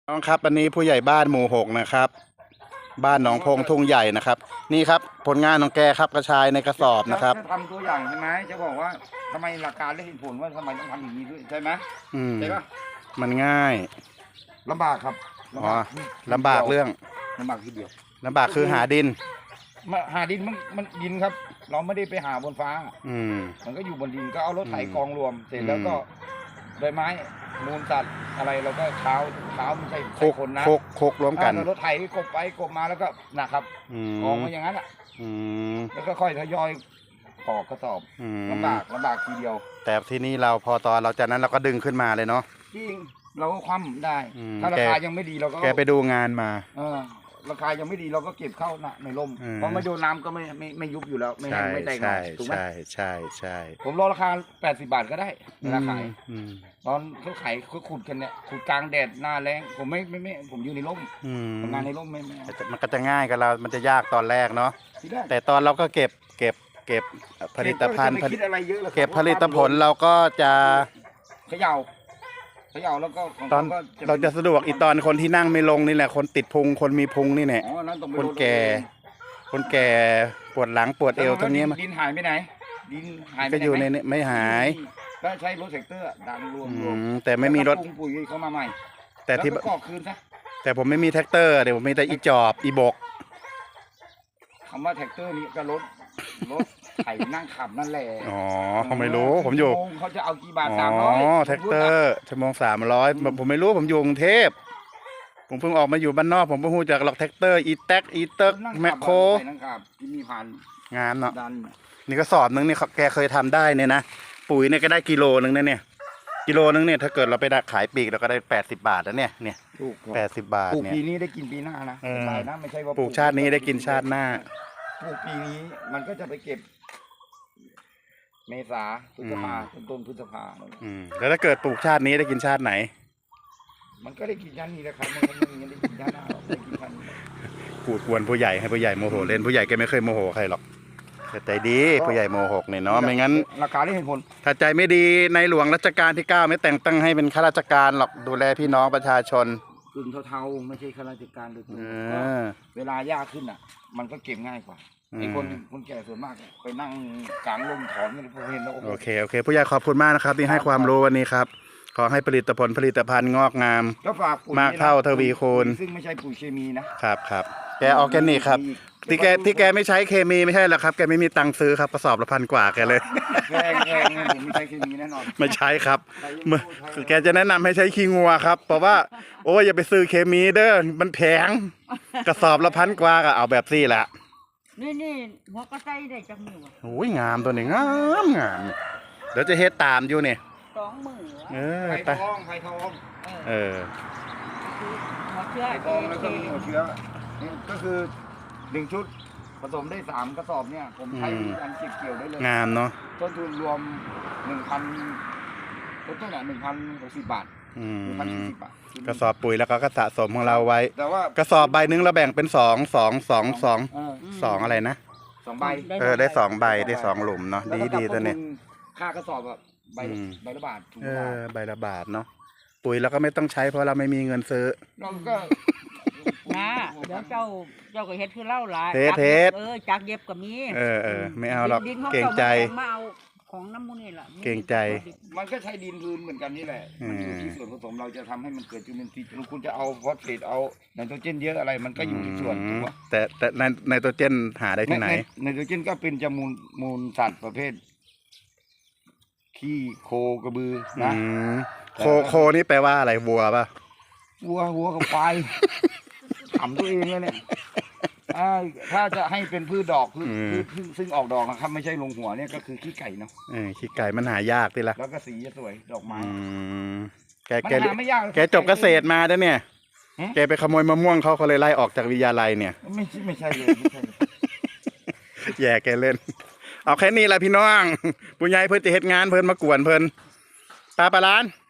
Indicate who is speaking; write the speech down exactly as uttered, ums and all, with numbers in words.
Speaker 1: น้องครับวันนี้ผู้ใหญ่บ้านหมู่หกนะครับบ้านหนองพงทุ่งใหญ่นะครับนี่ครับผลงานของแกครับกระชายในกระสอบนะครับ
Speaker 2: จะทำตัวอย่างใช่ไหมจะบอกว่าทำไมหลักการและเหตุผลว่าทำไมต้องทำอย่างนี้ด้วยใช่ไหม
Speaker 1: อืม
Speaker 2: ใช่ปะ
Speaker 1: มันง่าย
Speaker 2: ลำบากครับ
Speaker 1: อ๋อลำบากเรื่อง
Speaker 2: ลำบากทีเดียว
Speaker 1: ลำบากคือหาดิน
Speaker 2: มาหาดินมันมันดินครับ เราไม่ได้ไปหาบนฟ้า
Speaker 1: อืม
Speaker 2: มันก็อยู่บนดินก็เอารถไถกองรวมเสร็จแล้วก็ใบไม้มูลสัตว์อะไรเราก็เท้าเท้าไม่ใช่
Speaker 1: โคก
Speaker 2: คนนะ
Speaker 1: โคกโคกรวมกัน
Speaker 2: รถไถกบไปกบมาแล้วก็นะครับกองมาอย่างนั้นอ่ะแล้วก็ค่อยทยอยปอกกระสอบลำบากลำบากทีเดียว
Speaker 1: แต่ที่นี่เราพอตอนเราจากนั้นเราก็ดึงขึ้นมาเลยเนาะ
Speaker 2: จริงเราก็คว่ำได้ถ้าราคายังไม่ดีเราก็
Speaker 1: แกไปดูงานมา
Speaker 2: เออราคายังไม่ดีเราก็เก็บเข้าในร่มเพราะไม่โดนน้ำก็ไม่ไม่ไม่ยุบอยู่แล้วไม่แห้งไม่แตกหน่อยถูกไหม
Speaker 1: ใช่ใช่ใช่
Speaker 2: ผมรอราคาแปดสิบบาทก็ได้ราคาตอนเขาขายเขาขุดกันเนี่ยขุดกลางแดดหน้าแรงผมไม่ไม่ไม่ผมอยู่ในร่มทำงานในร่มไม่ไม่
Speaker 1: มันก็จะง่ายกับเรามันจะยากตอนแรกเนาะแต่ตอนเราก็เก็บเก็บเก็บผลิตภัณฑ์เก็บผลิตผลเราก็จะ
Speaker 2: เขย่าเขย่าแล้วก็
Speaker 1: ตอนเราจะสะดวกอีตอนคนที่นั่งไม่ลงนี่แหละคนติดพุงคนมีพุงนี่แหละคนแก่คนแก่ปวดหลังปวดเอวทั้งนี้
Speaker 2: มันดินหายไปไหนดินหาย
Speaker 1: ก็อยู่ในนี้ไม่หาย
Speaker 2: ก็ใช้รถแท็กเตอร์ดันรวมรวม
Speaker 1: แต่ไม่มีรถ
Speaker 2: ปุ๋ยเข้ามาใหม่
Speaker 1: แต่ที่
Speaker 2: ก็คืนซะ
Speaker 1: แต่ผมไม่มีแท็กเตอร์เดี๋ยวผมมีแต่อีจอบอีบก
Speaker 2: คำว่าแท็กเตอร์นี้ก็รถรถไถนั่งขับนั่นแหละ
Speaker 1: อ๋อเขาไม่รู้ผมอยู่
Speaker 2: เขาจะเอากี่บาทสามร้อย
Speaker 1: อ๋อแท็กเตอร์ชั่วโมงสามร้อยผมไม่รู้ผมอยู่กรุงเทพผมเพิ่งออกมาอยู่บ้านนอกผมเพิ่งรู้จักหลอกแท็กเตอร์อีแท็กอีเต็กแมคโคร
Speaker 2: ที่มีพัน
Speaker 1: งานเนาะนี่ก็สอบนึงนี่แกเคยทำได้เนี่ยนะปุ๋ยเนี่ยก็ได้กิโลนึงนะเนี่ยกิโลนึงเนี่ยถ้าเกิดเราไปขายปีกเราก็ได้แปดสิบบาทแล้วเนี่ยเนี่ยแปดสิบบาทเนี่ย
Speaker 2: ปลูกปีนี้ได้กินปีหน้านะใช่นะไม่ใช่ว่า
Speaker 1: ปลูกชาตินี้ได้กินชาติหน้า
Speaker 2: ปลูกปีนี้มันก็จะไปเก็บเมษาพฤษภาต้นพฤษภา
Speaker 1: อืมแล้วถ้าเกิดปลูกชาตินี้ได้กินชาติไหน
Speaker 2: มันก็ได้กินชาตินี้แหละครับมันก็ไม่ได้กินชาติหน้าหรอกได้กินชาตินี้
Speaker 1: กูดกวนผู้ใหญ่ให้ผู้ใหญ่โมโหเล่นผู้ใหญ่แกไม่เคยโมโหใครหรอกใจดีผู้ใหญ่โมโหเนี่ยเนาะไม่งั้น
Speaker 2: ราคาได้เห็นผล
Speaker 1: ถ้าใจไม่ดีในหลวงรัชกาลที่เก้าไม่แต่งตั้งให้เป็นข้าราชการหรอกดูแลพี่น้องประชาชน
Speaker 2: กึ่งเทาๆไม่ใช่ข้าราชการโดยตรงเวลายากขึ้นอ่ะมันก็เก็บง่ายกว่าไอ้คนคนแก่ส่วนมากไปนั่งกลางลมถอนกันพอเห็นแล้ว
Speaker 1: โอเคโอเคผู้ใหญ่ขอบคุณมากนะครับที่ให้ความรู้วันนี้ครับขอให้ผลิตผลผลิตภัณฑ์งอกงามมากเท่าทวีคูณ
Speaker 2: ซึ่งไม่ใช่ปุ๋ยเคมีนะครับ
Speaker 1: ครับแกออร์แกนิกครับที่แกที่แกไม่ใช้เคมีไม่ใช่หรอกครับแกไม่มีตังค์ซื้อครับกระสอบละพันกว่าแกเลย
Speaker 2: แพงแพงผมไม่ใช้เคมีแน่นอน
Speaker 1: ไม่ใช้ครับเมื่อแกจะแนะนำให้ใช้ขี้งัวครับเพราะว่าโอ้ยอย่าไปซื้อเคมีเด้อมันแพงกระสอบละพันกว่าก็เอาแบบซี่แหละ
Speaker 3: นี่นี่หัวกระไซได้จังหนึ่ง
Speaker 1: โอ้ยงามตัวนี้งามงามเดี๋ยวจะเฮ็ดตามอยู่เนี่ย
Speaker 3: สองหมื่น
Speaker 2: เออไผ่ทองไผ่ทอง
Speaker 1: เออ
Speaker 3: หัวเชื้อ
Speaker 2: ไผ่ทองแล้วก็หัวเชื้อนี่ก็คือหนึ่งชุดผสมได้สามกระสอบเนี่ยผมใช้อันเก็บเกี่ยวได้เลย
Speaker 1: งามเนาะ
Speaker 2: ต้นทุนรวมหนึ่งพันต้นต้นอ่ะหนึ่งพันหกสิบบาทหนึ่งพันสี่สิบบาท
Speaker 1: กระสอบปุ๋ยแล้วก็สะสมของเราไว้
Speaker 2: แต่ว่าก
Speaker 1: ระสอบใบนึงเราแบ่งเป็นสองสองสองสองสองอะไรนะ
Speaker 2: สองใบ
Speaker 1: เออได้สองใบได้สองหลุมเนาะดีดีตัวนี้
Speaker 2: ค่ากระสอบแบบใบใบละบาท
Speaker 1: เออใบละบาทเนาะปุ๋ยเราก็ไม่ต้องใช้เพราะเราไม่มีเงินซื้อ
Speaker 2: เราก็
Speaker 3: นะเดี๋ยวเจ้าเจ้าก็เฮ็ดคือเล่าหลาย
Speaker 1: เฮ็ดเฮ็ด
Speaker 3: เออจากเย็บก็มี
Speaker 1: เออเออไม่เอาหรอกเก่งใจ
Speaker 3: มาเอาของน้ำมูนี่แหละ
Speaker 1: เก่งใจ
Speaker 2: มันก็ใช้ดินพื้นเหมือนกันนี่แหละมันอยู่ที่ส่วนผสมเราจะทำให้มันเกิดจุลินทรีย์คุณจะเอาฟอสเฟตเอาไนโตรเจนเยอะอะไรมันก็อยู่ที่ส่วนถูกป่ะ
Speaker 1: แต่แต่ไนโตรเจนหาได้ที่ไหน
Speaker 2: ไนโตรเจนก็เป็นจมูลมูลสัตว์ประเภทขี้โคกระบือนะ
Speaker 1: โคโคนี่แปลว่าอะไรวัวป่ะ
Speaker 2: วัววัวกับควายขำตัวเองเลยเนี่ยถ้าจะให้เป็นพืชดอกพืชซึ่งออกดอกนะครับไม่ใช่ลงหัวเนี่ยก็คือขี้ไก่เนาะ
Speaker 1: เออขี้ไก่มันหายากทีละ
Speaker 2: แล้วก็สีจะสวยดอกไม้
Speaker 1: แกแกแกจบเกษตรมาแล้วเนี่ยแกไปขโมยมะม่วงเขาเขาเลยไล่ออกจากวิทยาลัยเนี่ย
Speaker 2: ไม่ใช่ไม่ใช่เลยไม่ใช่
Speaker 1: แย่แกเล่นเอาแค่นี้แหละพี่น้องปุญญ์เพิ่นจะเฮ็ดงานเพิ่นมากวนเพิ่นปลาปลาล้าน